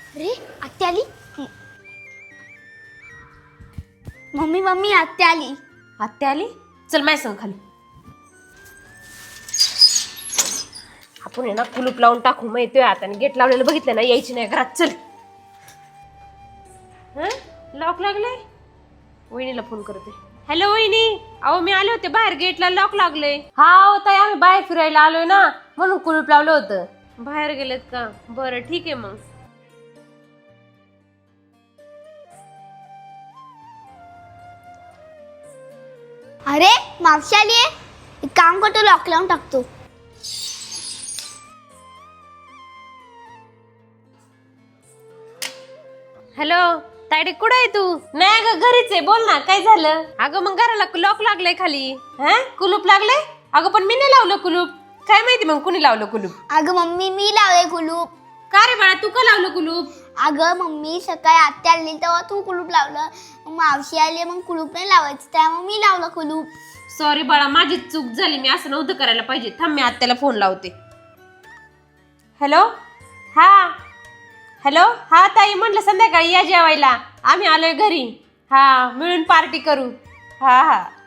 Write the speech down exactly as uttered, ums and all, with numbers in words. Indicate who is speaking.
Speaker 1: अरे आत्या आली. मम्मी मम्मी आत्या आली.
Speaker 2: आत्या आली. चल माय संग खाली. आपण आहे ना कुलूप लावून टाकू. मग येतोय हाताने गेट लावलेलं बघितलं ना, यायची नाही घरात. चल. लॉक लागलंय. वहिनीला फोन करते. हॅलो वहिनी, अहो मी आले होते बाहेर, गेटला लॉक लागले. हा ताई, आम्ही बाहेर फिरायला आलोय ना, म्हणून कुलूप लावलं होतं. बाहेर गेलेत का? बरं ठीक आहे मग.
Speaker 1: अरे मावशी आली आहे. एक काम करतो, लॉक लावून टाकतो.
Speaker 2: हॅलो तायडे, कुठं आहे तू? नाही अगं घरीच आहे. बोल ना, काय झालं? अगं मग घराला लॉक लागलंय खाली. हा कुलूप लागलंय. अगं पण मी नाही लावलं कुलूप. काय माहिती मग कुणी लावलं कुलूप.
Speaker 1: अगं मम्मी मी लावलंय कुलूप.
Speaker 2: का रे बाळा, तू का लावलं कुलूप?
Speaker 1: अगं मम्मी सकाळी आत्या आली तेव्हा तू कुलूप लावलं. मग मावशी आली, मग कुलूप नाही लावायचं, त्यामुळे मी लावलं कुलूप.
Speaker 2: सॉरी बाळा, माझी चूक झाली. मी असं नव्हतं करायला पाहिजे. थांब, मी आत्याला फोन लावते. हॅलो. हा हॅलो. हा ताई, म्हटलं संध्याकाळी या जेवायला. आम्ही आलोय घरी. हा मिळून पार्टी करू. हा हा